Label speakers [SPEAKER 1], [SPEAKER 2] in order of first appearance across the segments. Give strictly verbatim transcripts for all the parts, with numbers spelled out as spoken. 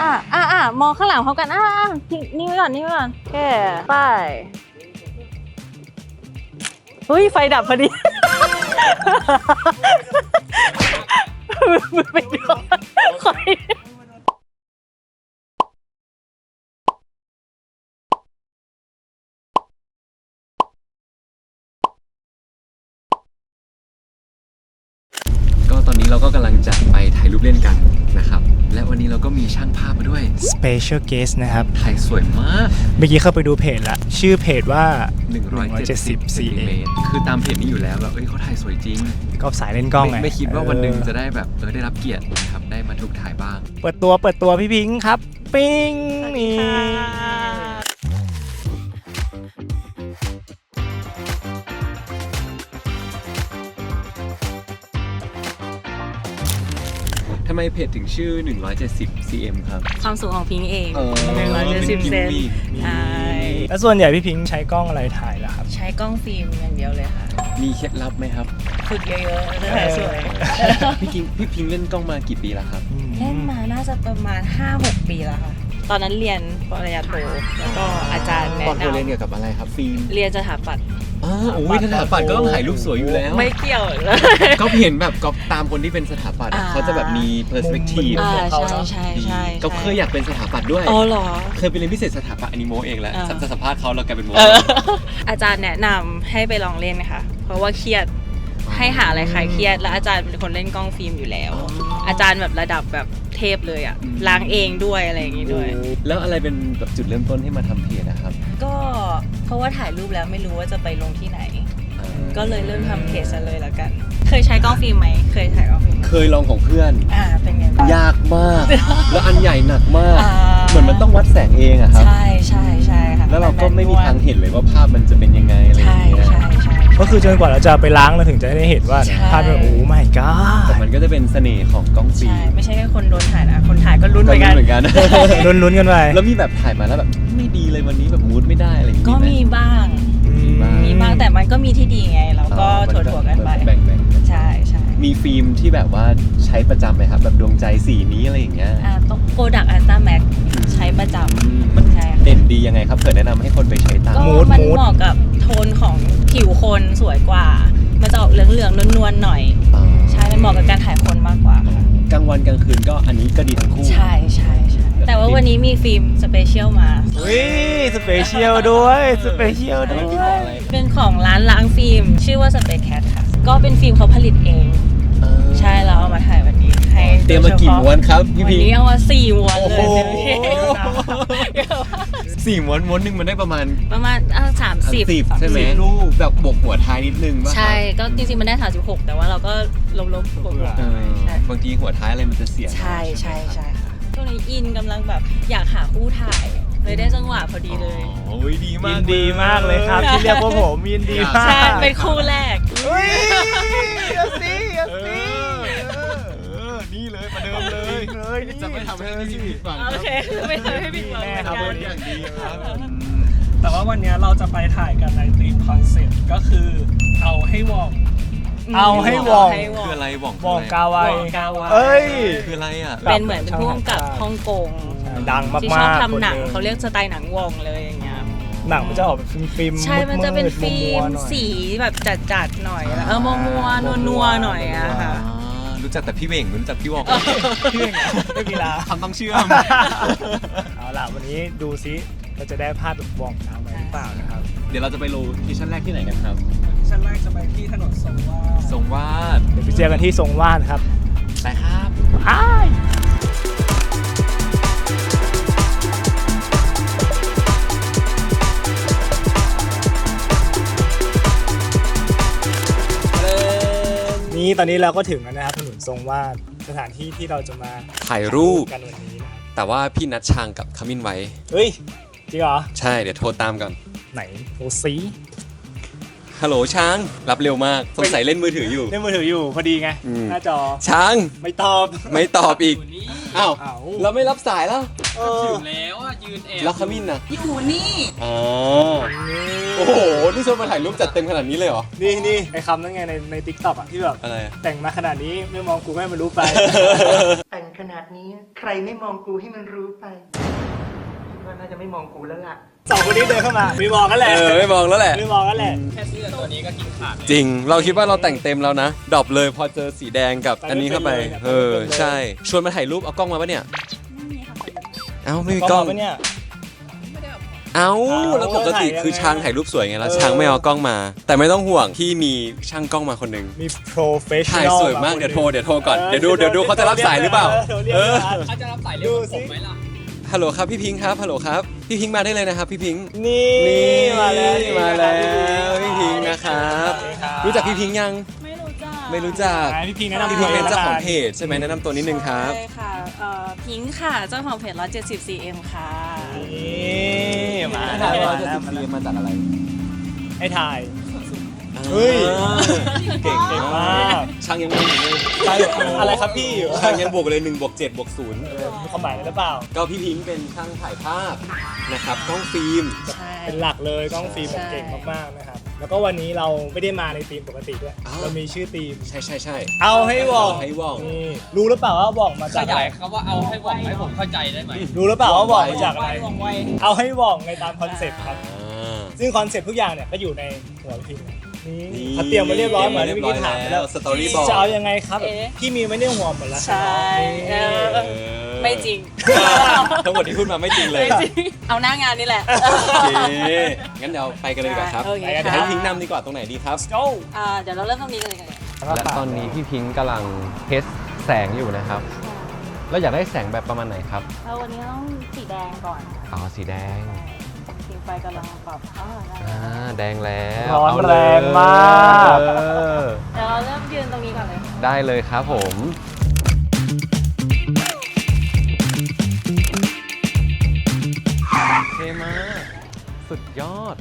[SPEAKER 1] อ่ะอ่ะมองข้างหลังพร้อมกันอ่ะอ่ะนี่ไว้ก่อนนี่ไว้ก่อนแค่ไปเฮ้ยไฟดับพอดีมือไปโดนไฟ
[SPEAKER 2] ก็ตอนนี้เราก็กำลังจะไปถ่ายรูปเล่นกันนะครับและวันนี้เราก็มีช่างภาพมาด้วย
[SPEAKER 3] Special Guest นะครับ
[SPEAKER 2] ถ่ายสวยมาก
[SPEAKER 3] เมื่อกี้เข้าไปดูเพจละชื่อเพจว่า
[SPEAKER 2] หนึ่งร้อยเจ็ดสิบ ซี เอ็ม คือตามเพจนี้อยู่แล้วแบบเอ้ยเขาถ่ายสวยจริง
[SPEAKER 3] ก็สายเล่นกล้องไง
[SPEAKER 2] ไม่คิดว่าวันหนึ่งจะได้แบบเออได้รับเกียรตินะครับได้มาถูกถ่ายบ้าง
[SPEAKER 3] เปิดตัวเปิดตัวพี่พิงค์ครับปิ้งนี่
[SPEAKER 2] ทำไมเพจถึงชื่อหนึ่งร้อยเจ็ดสิบ ซี เอ็ม ครับ
[SPEAKER 1] ความสูงของพิงเอง
[SPEAKER 2] หนึ่งร้อยเจ็ดสิบ เซน
[SPEAKER 1] ใช่
[SPEAKER 3] แล้วส่วนใหญ่พี่พิงค์ใช้กล้องอะไรถ่ายล่ะครับ
[SPEAKER 1] ใช้กล้องฟิล์มอย่างเดียวเลยค่ะ
[SPEAKER 2] มีเคล็ดลับไหมครับ
[SPEAKER 1] ฝึกเยอะๆจะถ่ายสวย
[SPEAKER 2] พี่พิงพี่พิงเล่นกล้องมากี่ปีแล้วครับ
[SPEAKER 1] เล่นมาน่าจะประมาณ ห้าหก ปีแล้วค่ะตอนนั้นเรียนปริญญาโทแล้วก็อาจารย์แนะนำ
[SPEAKER 2] ตอนเรียนเกี่ยวกับอะไรครับฟิล์ม
[SPEAKER 1] เรียนสถาปัตย์
[SPEAKER 2] อ๋อโอ้ยสถาปัตย์ก็ต้องถ่ายรูปสวยอยู่แล้ว
[SPEAKER 1] ไม่เกี่ยวเลย
[SPEAKER 2] ก็เห็นแบบก็ตามคนที่เป็นสถาปัตย์เขาจะแบบมีเพอร์สเปกทีฟ
[SPEAKER 1] ใช่ใช่ใช่
[SPEAKER 2] ก็เคยอยากเป็นสถาปัตย์ด้วย
[SPEAKER 1] อ๋อเหรอ
[SPEAKER 2] เคยไปเรียนพิเศษสถาปัตย์อนิโมเองแหละจะสัมภาษณ์เขาเรากลายเป็นโม
[SPEAKER 1] อาจารย์แนะนำให้ไปลองเล่นนะคะเพราะว่าเครียดให้หาอะไรคลายเครียดแล้วอาจารย์เป็นคนเล่นกล้องฟิล์มอยู่แล้วอาจารย์แบบระดับแบบเทพเลยอ่ะล้างเองด้วยอะไรอย่างงี้ด้วย
[SPEAKER 2] แล้วอะไรเป็นแบบจุดเริ่มต้นที่มาทำเพจนะครับ
[SPEAKER 1] ก็เพราะว่าถ่ายรูปแล้วไม่รู้ว่าจะไปลงที่ไหนก็เลยเริ่มทำเพจซะเลยละกันเคยใช้กล้องฟิล์มไหมเคยถ่ายกล้องฟิล์ม
[SPEAKER 2] เคยลองของเพื่อน
[SPEAKER 1] อ่าเป็นไงบ้าง
[SPEAKER 2] ยากมากแล้วอันใหญ่หนักมากเหมือนมันต้องวัดแสงเองอะครับ
[SPEAKER 1] ใช่ใช่ใช่ค่ะ
[SPEAKER 2] แล้วเราก็ไม่มีทางเห็นเลยว่าภาพมันจะเป็นยังไงอะไรอย่างเงี้ย
[SPEAKER 1] ใช่ใช่
[SPEAKER 3] ก็คือจนกว่าเราจะไปล้างเราถึงจะได้เห็นว่าภาพมันโอ้ไม่ก็
[SPEAKER 2] แต่มันก็จะเป็นเสน่ห์ของกล้องฟิล์ม
[SPEAKER 1] ใช่ไม่ใช่แค่คนโดนถ่ายนะคนถ่ายก็ลุ้นเหมือนกัน
[SPEAKER 3] ลุ้นๆกันไป
[SPEAKER 2] แล้วมีแบบถ่ายมาแล้วแบบไม่ดีเลยวันนี้แบบมูดไม่ได้อะไรอย่างเงี้ย
[SPEAKER 1] ก็มีบ้างมีบ้างแต่มันก็มีที่ดีไงเราก็ถั่วๆกันไป
[SPEAKER 2] แบ่ง
[SPEAKER 1] ๆใช่ใช่
[SPEAKER 2] มีฟิล์มที่แบบว่าใช้ประจำไหมครับแบบดวงใจสีนี้อะไรอย่างเงี้ย
[SPEAKER 1] อ่าต้องโปรดักต์อัลต้าแม็กใช้ประจำ
[SPEAKER 2] มันเด่นดียังไงครับเผื่อแนะนำให้คนไปใช้ตาม
[SPEAKER 1] ก็มันเหมาะกับโทนของผิวคนสวยกว่ามันจะออกเหลืองๆนวลๆหน่อยใช่มันเหมาะกับการถ่ายคนมากกว่าก
[SPEAKER 2] ลางวันกลางคืนก็อันนี้ก็ดีทั้งคู่
[SPEAKER 1] ใช่ใช่ใช่แต่ว่าวันนี้มีฟิล์มสเปเชียลมา
[SPEAKER 3] อุ้ยสเปเชียลด้วยสเปเชียลด้วย
[SPEAKER 1] เป็นของร้านล้างฟิล์มชื่อว่า Space Cat ค่ะก็เป็นฟิล์มเขาผลิตเองใช่เราเอามาถ่ายวันนี้ให้
[SPEAKER 2] เตรียมมากี่ม้วนครับพี่พี
[SPEAKER 1] วันนี้เอามาสี่ม้วนเลย
[SPEAKER 2] สี่ม้วนม้วนหนึ่งมันได้ประมาณ
[SPEAKER 1] ประมาณสามสิบ
[SPEAKER 2] ใช่ไหมรูปแบบบวกหัวท้ายนิดนึงป่ะ
[SPEAKER 1] ใช่ก็จริงๆมันได้สามสิบหกแต่ว่าเราก็ลบๆบวก
[SPEAKER 2] บางทีหัวท้ายอะไรมันจะเสีย
[SPEAKER 1] ใช่ใช่ใช่ค่ะช่วงนี้อินกำลังแบบอยากหาคู่ถ่ายเลยได้จังหวะพอดีเลย
[SPEAKER 2] โอ้ยดีมาก
[SPEAKER 3] ยินดีมากเลยครับที่เรียกว่าผมยินดีมาก
[SPEAKER 1] ใช่เป็นคู่แรก
[SPEAKER 3] อุ้ยเอาสิเอาสิ
[SPEAKER 2] นี่เลยประเดิมเลยจะไม่ทำให้พี่ผิดหวัง
[SPEAKER 1] โอเคไม่ทำให้ผิดหวัง
[SPEAKER 2] ครับอย่างดีครับ
[SPEAKER 4] แต่ว่าวันนี้เราจะไปถ่ายกันในธีมคอนเซ็ปต์ก็คือเอาให้วอง
[SPEAKER 3] เอาให้วอง
[SPEAKER 2] คืออะไรวอง
[SPEAKER 3] วองกาไว
[SPEAKER 4] เอ้ย
[SPEAKER 2] คืออะไรอ่ะ
[SPEAKER 1] เป็นเหมือนพ่วงกับฮ่องกง
[SPEAKER 3] ดังมากๆ
[SPEAKER 1] ที่ชอบทำหนังเขาเรียกสไตล์หนังวองเลยอย่างเงี้ย
[SPEAKER 3] หนังมันจะออกเป็นฟิล์ม
[SPEAKER 1] ใช่มันจะเป็นฟิล์มสีแบบจัดๆหน่อยเออมัวมัวนัวนัวหน่อยอะค่ะ
[SPEAKER 2] รู้จักแต่พี่เว่งรู้จักพี่วอง
[SPEAKER 3] พี่เว่งไม่มีลา
[SPEAKER 2] ทำต้องเชื่อม
[SPEAKER 3] เอาล่ะวันนี้ดูซิเราจะได้ภาพแบบวองเอาไหมหรือเปล่านะครับ
[SPEAKER 2] เดี๋ยวเราจะไปโลเคชั่นแรกที่ไหนกันครับ
[SPEAKER 4] ชั้นแรกจะไปที่ถนนทรงวาด
[SPEAKER 2] ทรงวาด
[SPEAKER 3] เดี๋ยวไปเจอกันที่ทรงวาดครับ
[SPEAKER 2] ไปครับ
[SPEAKER 3] อ้นี่ตอนนี้เราก็ถึงแล้วนะครับถนนทรงวาดสถานที่ที่เราจะมา
[SPEAKER 2] ถ่ายรูป
[SPEAKER 3] กันวันนี้นะ
[SPEAKER 2] แต่ว่าพี่นัดชางกับขมิ้นไว้
[SPEAKER 3] เฮ้ยจริงเหรอ
[SPEAKER 2] ใช่เดี๋ยวโทรตามก่อน
[SPEAKER 3] ไหนโทรซี
[SPEAKER 2] ฮัลโหลช้างรับเร็วมากสงสัยเล่นมือถืออยู่
[SPEAKER 3] เล่นมือถืออยู่พอดีไงหน้าจอ
[SPEAKER 2] ช้าง
[SPEAKER 3] ไม่ตอบ
[SPEAKER 2] ไม่ตอบอีกอ้าวเราไม่รับสายแล้ว
[SPEAKER 5] ถึงแล้วอ่ะยืนแอบ
[SPEAKER 2] แล้วขมิ้นนะ
[SPEAKER 1] อยู่นี่
[SPEAKER 2] อ๋อโอ้โหนี่ชวนมาถ่ายรูปจัดเต็มขนาดนี้เลยเหรอ
[SPEAKER 3] นี่นี่ไอ้คำนั่นไงในในทิกตอกอ่ะที่แบบ
[SPEAKER 2] อะไร
[SPEAKER 3] แต่งมาขนาดนี้ไม่มองกูไม่ให้มันรู้ไป
[SPEAKER 6] แต่งขนาดนี้ใครไม่มองกูให้มันรู้ไปคิดว่าน่าจะไม่มองกูแล้วล่ะ
[SPEAKER 3] สองคนนี้เดินเข้ามาไม่มองกันแหละ
[SPEAKER 2] เออไม่มองแล้วแหละ
[SPEAKER 3] ไม่มองกันแหละ
[SPEAKER 5] แค่เสื้อตัวนี้ก็กินขาดแล้ว
[SPEAKER 2] จริง เราคิดว่าเราแต่งเต็มแล้วนะดรอปเลยพอเจอสีแดงกับอันนี้เข้าไป เออใช่ ชวนมาถ่ายรูปเอากล้องมาปะเนี่ย เอ้าไม่มีกล้อง
[SPEAKER 3] ปะเนี่ย
[SPEAKER 2] เอ้า
[SPEAKER 3] เอ้า
[SPEAKER 2] แล้วปกติ
[SPEAKER 3] ถ่ายยังไง
[SPEAKER 2] คือช้างถ่ายรูปสวยไงแล้ว
[SPEAKER 3] เออ
[SPEAKER 2] ช้างไม่เอากล้องมา แต่ไม่ต้องห่วงที่มีช่างกล้องมาคนหนึ่ง
[SPEAKER 3] มี professional
[SPEAKER 2] ถ่ายสวยมากเดี๋ยวโทรเดี๋ยวโทรก่อนเดี๋ยวดูเดี๋ยวดูเขาจะรับสายหรือเปล่า เออ
[SPEAKER 5] เขาจะรับสายเร็วกว่าผมไหมล่ะ
[SPEAKER 2] ฮัลโหลครับพี่พิงค์ครับฮัลโหลครับพี่พิงค์มาได้เลยนะครับพี่พิงค์
[SPEAKER 3] นี่
[SPEAKER 2] นี่
[SPEAKER 3] มาแล้ว
[SPEAKER 2] มาแล้วพี่พิงค์นะครับ
[SPEAKER 3] สวัสดีครับ
[SPEAKER 2] รู้จักพี่พิงค์ยัง
[SPEAKER 1] ไม่รู้จัก
[SPEAKER 2] ไม่รู้จัก
[SPEAKER 3] อ่าพี่พิงค์แนะนำ
[SPEAKER 2] พี่พิงค์เป็นเจ้าของเพ
[SPEAKER 3] จ
[SPEAKER 2] จใช่ไหมแนะนำตัวนิดนึงครับ
[SPEAKER 1] ใช่ค่ะเอ่อพิงค์ค่ะ เจ้าของเพจร้อยเจ็ดสิบซีเอ็มค่ะ
[SPEAKER 3] นี่มา
[SPEAKER 2] มา
[SPEAKER 3] แล้ว
[SPEAKER 2] แล้ว
[SPEAKER 3] มาแล้วมาแล้ว
[SPEAKER 2] มาจากอะไร
[SPEAKER 3] ให้ถ่าย เฮ้ย
[SPEAKER 2] เก่ง
[SPEAKER 3] เก่งมาก
[SPEAKER 2] ช่างยังไม่อยู่เลย
[SPEAKER 3] ใช่อะไรครับพี่
[SPEAKER 2] ช่างยังบวกเลยหนึ่งบวกเจ็ดบวกศูนย์
[SPEAKER 3] มีความหมายอะไรหรือเปล่า
[SPEAKER 2] ก็พี่พิงค์เป็นช่างถ่ายภาพนะครับกล้องฟิล์ม
[SPEAKER 1] ใช่
[SPEAKER 3] เป็นหลักเลยกล้องฟิล์มแบบเก่งมากๆนะครับ แล้วก็วันนี้เราไม่ได้มาในธีมปกติด้วย
[SPEAKER 2] อ้าว
[SPEAKER 3] เรามีชื่อธีม
[SPEAKER 2] ใช่ใช่ใช่
[SPEAKER 3] เอาให้วอง
[SPEAKER 2] ให้ว่อง
[SPEAKER 3] นี่รู้หรือเปล่าว่าว่องมา
[SPEAKER 5] ข
[SPEAKER 3] จากอะ
[SPEAKER 5] ยา
[SPEAKER 3] ไร
[SPEAKER 5] ยคำว่าเอาให้บอกให้ผมเข้าใจได้ไหม
[SPEAKER 3] รู้หรือเปล่าว่าว่องมาจากอะไร
[SPEAKER 1] ว่องไว
[SPEAKER 3] เอาให้ว่องในตามคอนเซ็ปต์ครับ
[SPEAKER 2] อ่า
[SPEAKER 3] ซึ่งคอนเซ็ปต์ทุกอย่างเนี่ยก็อยู่ในหัวพิมพ์นี่
[SPEAKER 2] นี่
[SPEAKER 3] เขาเตรียมมาเรียบร้อยเหมือน
[SPEAKER 2] เตรียม
[SPEAKER 3] เมื่อกี้ถามไปแล้ว
[SPEAKER 2] สตอรี่บอก
[SPEAKER 3] จะเอายังไงครับ
[SPEAKER 1] เอ๊ะ
[SPEAKER 3] พี่มีไม่ได้หัวหมดแล้ว
[SPEAKER 1] ใช่เออ
[SPEAKER 2] เออ
[SPEAKER 1] ไม่จริง
[SPEAKER 2] ทั้งหมดที่พูดมาไม่จริงเลย
[SPEAKER 1] ไม่จริง เอาหน้างานนี่แหละ
[SPEAKER 2] โอเคงั้นเดี๋ยวไปกันเลยดีกว่าครับ
[SPEAKER 1] โอเค
[SPEAKER 2] เดี๋ยว
[SPEAKER 1] ค่ะ
[SPEAKER 2] ให้พิงค์นำดีกว่าตรงไหนดีครับ
[SPEAKER 3] โจ้
[SPEAKER 1] อ่าเดี๋ยวเราเริ่มตรงนี้กันเลยกันเลย
[SPEAKER 7] และตอนนี้พี่พิงค์กำลังเทสแสงอยู่นะครับ แล้วอยากได้แสงแบบประมาณไหนครับ
[SPEAKER 1] เราวันนี้ต้องสีแดงก่อน
[SPEAKER 7] อ๋อ สีแดง
[SPEAKER 1] สีไฟกำลังปรับอ่าได้
[SPEAKER 7] อ่า แดงแล้ว
[SPEAKER 3] ร้อน
[SPEAKER 7] เาเลย
[SPEAKER 3] แรงมาก
[SPEAKER 7] เออ
[SPEAKER 1] เดี๋ยวเราเริ่มยืนตรงนี้ก่อนเลย
[SPEAKER 7] ได้เลยครับผม เทมากสุดยอด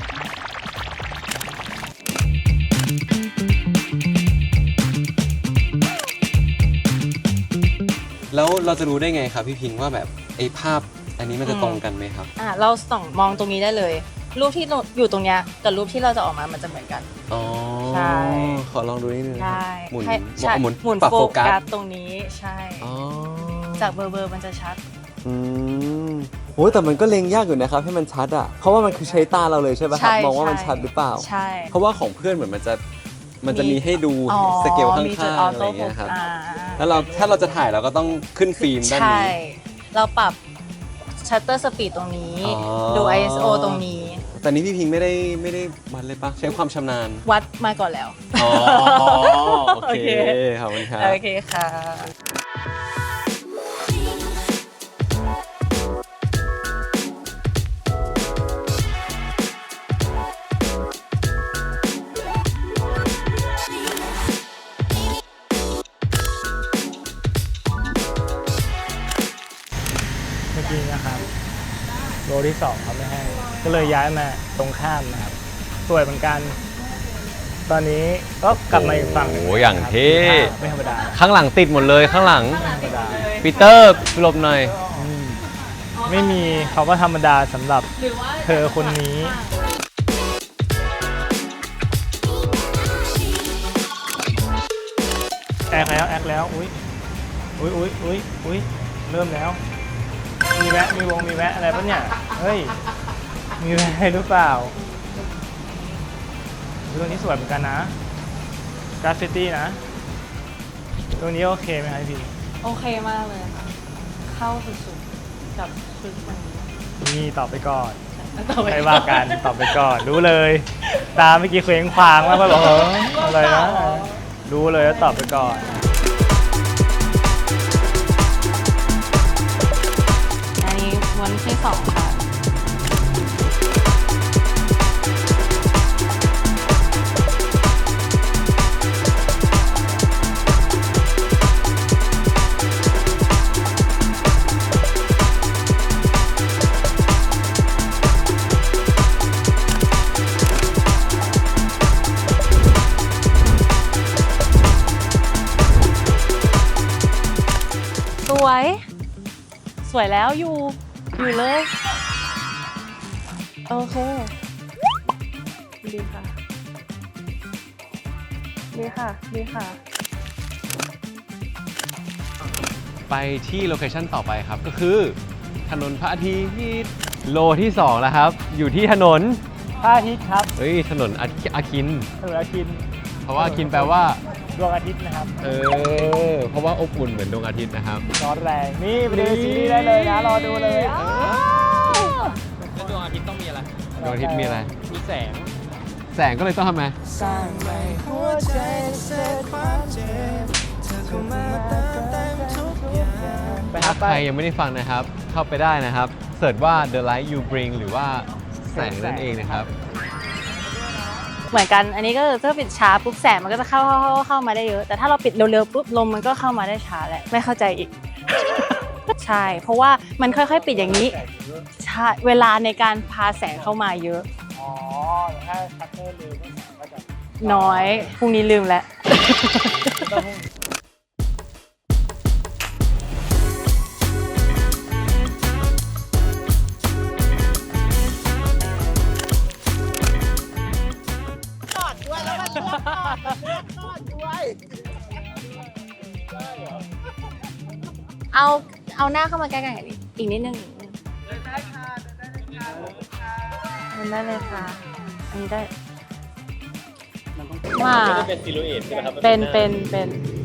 [SPEAKER 2] แล้วเราจะรู้ได้ไงครับพี่พิงค์ว่าแบบไอ้ภาพอันนี้มันจะตรงกันไหมครับ
[SPEAKER 1] อ่าเราส่องมองตรงนี้ได้เลย รูปที่เราอยู่ตรงเนี้ยกับรูปที่เราจะออกมามันจะเหมือนกัน
[SPEAKER 2] อ๋อ
[SPEAKER 1] ใช่
[SPEAKER 2] ขอลองดูนิดนึงนะค
[SPEAKER 1] ใช่
[SPEAKER 2] รับหมุน
[SPEAKER 1] ให้ใช่
[SPEAKER 2] หมุน
[SPEAKER 1] หมุน
[SPEAKER 2] ปรับ
[SPEAKER 1] โฟ
[SPEAKER 2] โฟกั
[SPEAKER 1] กั
[SPEAKER 2] ส
[SPEAKER 1] สตรงนี้ใช่
[SPEAKER 2] อ๋อ
[SPEAKER 1] จากเบอร์เบอร์มันจะชัด
[SPEAKER 2] อืมโอ้ยแต่มันก็เล็งยากอยู่นะครับให้มันชัดอ่ะ เพราะว่ามันคือใช้ตาเราเลยใช่ป่ะครับ
[SPEAKER 1] ใช่
[SPEAKER 2] มองว่ามัน
[SPEAKER 1] ใช่
[SPEAKER 2] ชัดหรือเปล่า
[SPEAKER 1] ใช่
[SPEAKER 2] เพราะว่าของเพื่อนเหมือนมันจะมันจะมีให้ดู
[SPEAKER 1] อ๋อ
[SPEAKER 2] สเกลข้าง
[SPEAKER 1] มีจุด
[SPEAKER 2] ๆ
[SPEAKER 1] ออ
[SPEAKER 2] อะไร
[SPEAKER 1] โต้
[SPEAKER 2] อย่าง
[SPEAKER 1] โฟ
[SPEAKER 2] เงี้ยครับ
[SPEAKER 1] กัส
[SPEAKER 2] แล้วเราถ้าเราจะถ่ายเราก็ต้องขึ้นฟิล์มด้าน
[SPEAKER 1] ใช่
[SPEAKER 2] นี้
[SPEAKER 1] เราปรับชัตเตอร์สปีดตรงนี้
[SPEAKER 2] อ๋อ
[SPEAKER 1] ดู ไอ เอส โอ ตรงนี้
[SPEAKER 2] แต่นี้พี่พิงค์ไม่ได้ไม่ได้วัดเลยปะใช้ความชำนาญ
[SPEAKER 1] วัดมาก่อนแล้ว
[SPEAKER 2] อ๋อโอเค
[SPEAKER 1] โอเค
[SPEAKER 2] ขอบคุณครับ
[SPEAKER 1] โอเคค่ะ
[SPEAKER 3] เมื่อกี้นะครับโลที่สองเขาไม่ให้ ก็เลยย้ายมาตรงข้ามนะครับสวยเหมือนกัน ตอนนี้ก็กลับมาอีกฝั่งหนึ่ง
[SPEAKER 7] โอ้โหอย่างเท่
[SPEAKER 3] ไม่ธรรมดา
[SPEAKER 7] ข้างหลังติดหมดเลยข้างหลัง
[SPEAKER 3] ไม่ธรรมดา
[SPEAKER 7] ปีเตอร์หลบหน่อย
[SPEAKER 3] อืมไม่มีเขาก็ธรรมดาสำหรับเธอคนนี้ แอคแล้วแอคแล้วอุ้ยอุ้ยอุ้ยอุ้ยอุ้ยเริ่มแล้ว มีแวะมีวงมีแวะอะไรปะเนี่ยเฮ้ยมีแวะหรือเปล่าเรื่องนี้สวยเหมือนกันนะกราฟฟิตี้นะตัวนี้โอเคไหมครับพี่
[SPEAKER 1] โอเคมากเลยค่ะ เข้าสุดๆกับชุดวันนี้
[SPEAKER 3] นี่ตอบไปก่อน
[SPEAKER 1] ต่อไป
[SPEAKER 3] ไม่ว่ากันตอบไปก่อนรู้เลย ตาเมื่อกี้เคว้งคว้างมากก็บอกเอออะไรนะรู้เลยแล้วตอบไปก่อน
[SPEAKER 1] อันนี้วันที่สองค่ะ สวย สวยวยแล้วอยู่อยู่เลยโอเคดีค่ะดีค่ะดีค่ะ
[SPEAKER 7] ไปที่โลเคชั่นต่อไปครับก็คือถนนพระอาทิตย์โลที่สองแล้วครับ อยู่ที่ถนน
[SPEAKER 3] พระอาทิตย์ครับ
[SPEAKER 7] เฮ้ยถนนอาอาคิน
[SPEAKER 3] ถนนอาทิตย์
[SPEAKER 7] เพราะว่าอาคินแปลว่า
[SPEAKER 3] ดวงอาทิตย์นะครับ
[SPEAKER 7] เออเพราะว่าอบอุ่นเหมือนดวงอาทิตย์นะครับ
[SPEAKER 3] ร้อนแรงนี่ไปดูซีรีส์ได้เลยนะรอดูเลยอ้าว
[SPEAKER 5] แล้วดวงอาทิตย์ต้องมีอะไร
[SPEAKER 7] ดวงอาทิตย์มีอะไร
[SPEAKER 5] มีแสง
[SPEAKER 7] แสงก็เลยต้องทำไง
[SPEAKER 3] สร้างใหม่หัวใจเสร็จความเจ็บเธอเข้ามาเติมเต็มทุกอย่างไปค
[SPEAKER 7] ถ้า
[SPEAKER 3] รับ
[SPEAKER 7] ใครยังไม่ได้ฟังนะครับ เข้าไปได้นะครับเสิร์ชว่า The Light You Bring หรือว่าแสงนั่นเองนะครับ
[SPEAKER 1] เหมือนกันอันนี้ก็คือถ้าปิดช้าปุ๊บแสงมันก็จะเข้าเข้าเข้าเข้ามาได้เยอะ แต่ถ้าเราปิดเร็วๆปุ๊บลมมันก็เข้ามาได้ช้าแหละไม่เข้าใจอีก ใช่เพราะว่ามันค่อยๆปิดอย่างนี้ใช่เวลาในการพาแสงเข้ามาเยอะ
[SPEAKER 3] อ๋อถ้าชัตเตอร์ลืมก็จะ
[SPEAKER 1] น้อยพรุ่งนี้ลืมแล้ว เอาเอาหน้าเข้ามาใกล้ๆอีกอีกนิดนึงเดินได้ค่ะเดินได้เลยค่ะอันนี้ได้ว่า
[SPEAKER 5] ไม่ได้เป็นซิลูเอทใช่ไหมครับ
[SPEAKER 1] เป็นเป็นเป็น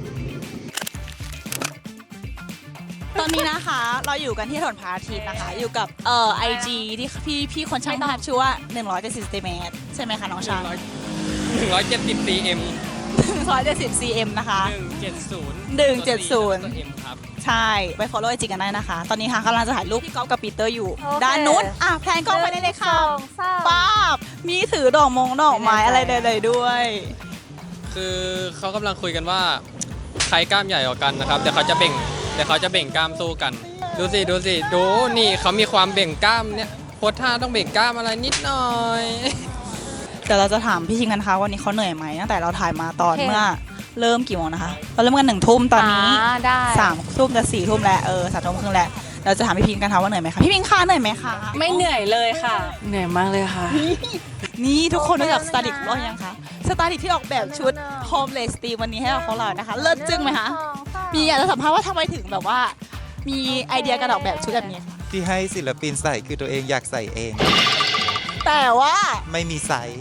[SPEAKER 8] ตอนนี้นะคะเราอยู่กันที่ถนนพระอาทิตย์นะคะ อยู่กับเอ่อไอจีที่พี่พี่คนช่างภาพชื่อว่าหนึ่งร้อยเจ็ดสิบเซนติเมตรใช่ไหมคะน้องช้าง
[SPEAKER 5] หนึ่งร้อยเจ็ดสิบ ซี เอ็ม
[SPEAKER 8] หนึ่งร้อยเจ็ดสิบซีเอ็มนะคะ
[SPEAKER 5] หนึ่งเจ็ดศูนย์
[SPEAKER 8] หนึ่งเจ็ดศูนย์
[SPEAKER 5] ตัว M ครับ
[SPEAKER 8] ใช่ไป follow ไอจีกันได้นะคะ ตอนนี้ค่ะกำลังจะถ่ายรูปพี่ก๊อฟกับปีเตอร์อยู่
[SPEAKER 1] โอเค
[SPEAKER 8] ด้านนู้นอ่ะแพนกล้องไปได้เลยค่ะ
[SPEAKER 1] สองสาม
[SPEAKER 8] ป้าบมีถือดอกมงดอกไม้อะไรเลยๆด้วย
[SPEAKER 5] คือเขากำลังคุยกันว่าใครกล้ามใหญ่กว่ากันนะครับเดี๋ยวเขาจะเบ่งเดี๋ยวเขาจะเบ่งกล้ามสู้กัน ดูสิดูสิดูนี่เขามีความเบ่งกล้ามเนี่ยโพสท่าต้องเบ่งกล้ามอะไรนิดหน่อย
[SPEAKER 8] เดี๋ยวเราจะถามพี่ชิงกันนะคะวันนี้เขาเหนื่อยไหมตั้งแต่เราถ่ายมาตอนเมื่อเริ่มกี่โมงนะคะเราเริ่มกันหนึ่งทุ่มตอนนี้
[SPEAKER 1] าได้
[SPEAKER 8] สามทุ่มจะสี่ทุ่มแล้วเออสามทุ่มครึ่งแล้วเราจะถามพี่พิงกันค่ะว่าเหนื่อยไหมคะพี่พิงคะเหนื่อยไหมคะ
[SPEAKER 1] ไม่เหนื่อยเลยค่ะ เหนื่อยมากเลยค่ะ
[SPEAKER 8] นี่ทุกคนรู้จักสไตลิสต์ของเรายังคะสไตลิสต์ที่ออกแบบชุด Homeless Team วันนี้ให้กับพวกเรานะคะ เลิศจึ้งไหมคะมีอยากจะสัมภาษณ์ว่าทำไมถึงแบบว่า มีไอเดียการออกแบบชุดแบบนี้คะ
[SPEAKER 9] ที่ให้ศิลปินใส่คือตัวเองอยากใส่เอง
[SPEAKER 8] แต่ว่า
[SPEAKER 9] ไม่มีไซส์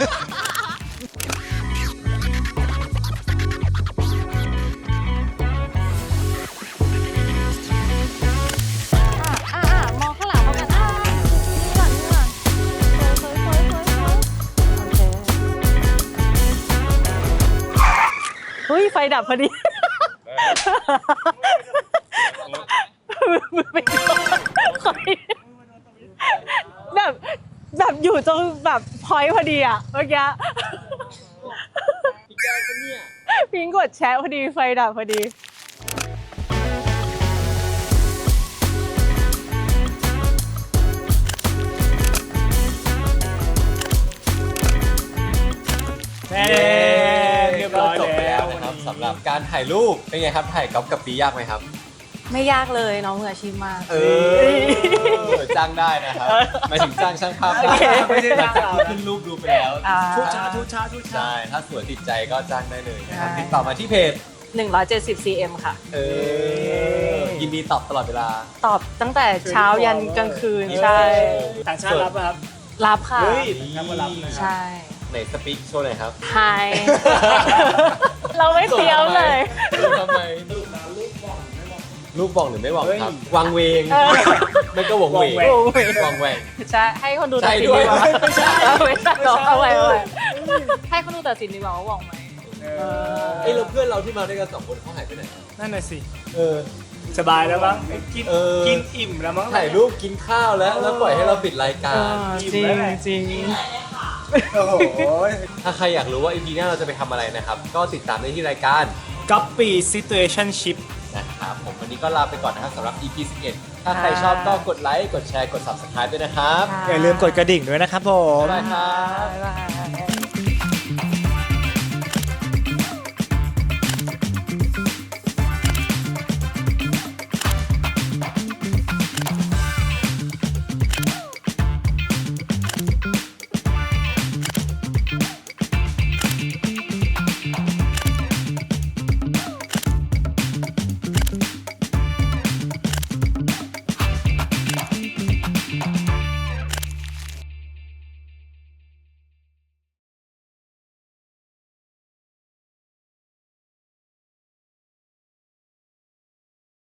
[SPEAKER 1] อ่ะอ่ะอ่ะมองข้างหลังเขากันอ่ะนี่ก่อนนี่ก่อนสวยสวยสวยสวยโอเคเฮ้ยไฟดับพอดีไม่ขอแบบแบบอยู่ตรงแบบพอยต์พอดีอะเมื่อกี้พิงกดแชร์พอดีไฟดับพอดี
[SPEAKER 3] เรียบร้อย
[SPEAKER 2] จบไป
[SPEAKER 3] แล้
[SPEAKER 2] แล้ว วนะครับสำหรับการถ่ายรูปเป็นไงครับถ่ายก๊อฟกับปียากไหมครับ
[SPEAKER 1] ไม่ยากเลยน้องมืออาชีพมาก
[SPEAKER 2] เออจ้างได้นะครับหมายถึงจ้างช่างภาพ
[SPEAKER 1] โอเค
[SPEAKER 2] ไม่ใช่หลังจากที่ขึ้นรูปดูไปแล้ว
[SPEAKER 1] อ่า
[SPEAKER 3] ทุกช้าทุกช้าทุกช้า
[SPEAKER 2] ใช่ถ้าสวยติดใจก็จ้างได้เลยนะครับ
[SPEAKER 1] ใช่
[SPEAKER 2] ติดต่อมาที่เพจ
[SPEAKER 1] หนึ่งร้อยเจ็ดสิบซีเอ็มค่ะ
[SPEAKER 2] เออยินดีตอบตลอดเวลา
[SPEAKER 1] ตอบตั้งแต่เช้ายันกลางคืน ใช่
[SPEAKER 3] ต่างชาติรับป่ะครับ
[SPEAKER 1] รับค่ะ
[SPEAKER 3] เฮ้ยต่างชาติก็รับนะ
[SPEAKER 1] ใช่
[SPEAKER 2] ไหนสปีกโชว์หน่อยครับ
[SPEAKER 1] ไฮ เราไม่เตรียมเลย
[SPEAKER 2] ทำไมลูกบ่องหรือไม่บ่องครับวางเวง
[SPEAKER 1] เออ
[SPEAKER 2] ไม่ก็หวงเวง
[SPEAKER 1] วงเวง
[SPEAKER 2] วางแวง
[SPEAKER 1] ใช่ให้คนดูตัดสิน
[SPEAKER 2] ใช่ด้วย
[SPEAKER 1] ดีกว่า
[SPEAKER 3] ไม่ใช่
[SPEAKER 1] เอาไว้ตัดต่อเอาไว้เอาไว้ให้คนดูตัดสินดีกว่าว่าหว่องไหม
[SPEAKER 3] เออ
[SPEAKER 2] ไอ้เราเพื่อนเราที่มาด้วยกันสองคนเขาหายไปไหน
[SPEAKER 3] นั่นน่ะสิ
[SPEAKER 2] เออ
[SPEAKER 3] สบายแล้วมั้งกิน
[SPEAKER 2] เออ
[SPEAKER 3] กินอิ่มแล้วมั้ง
[SPEAKER 2] ถ่ายรูปกินข้าวแล้ว แล้วปล่อยให้เราปิดรายการ
[SPEAKER 1] จริงจริง
[SPEAKER 3] โอ้โห
[SPEAKER 2] ถ้าใครอยากรู้ว่า อี พี หน้าเราจะไปทำอะไรนะครับ ก็ติดตามได้ที่รายการ
[SPEAKER 3] ก๊อปปี้ situationship
[SPEAKER 2] นะครับผมวันนี้ก็ลาไปก่อนนะครับสำหรับ อี พี สิบเอ็ด ถ้าใครชอบก็กดไลค์ กดแชร์ กด ซับสไครบ์ ด้วยนะครับ
[SPEAKER 3] อย่าลืมกดกระดิ่งด้วยนะครับผม
[SPEAKER 2] บ๊ายบายครับ
[SPEAKER 1] บ๊ายบาย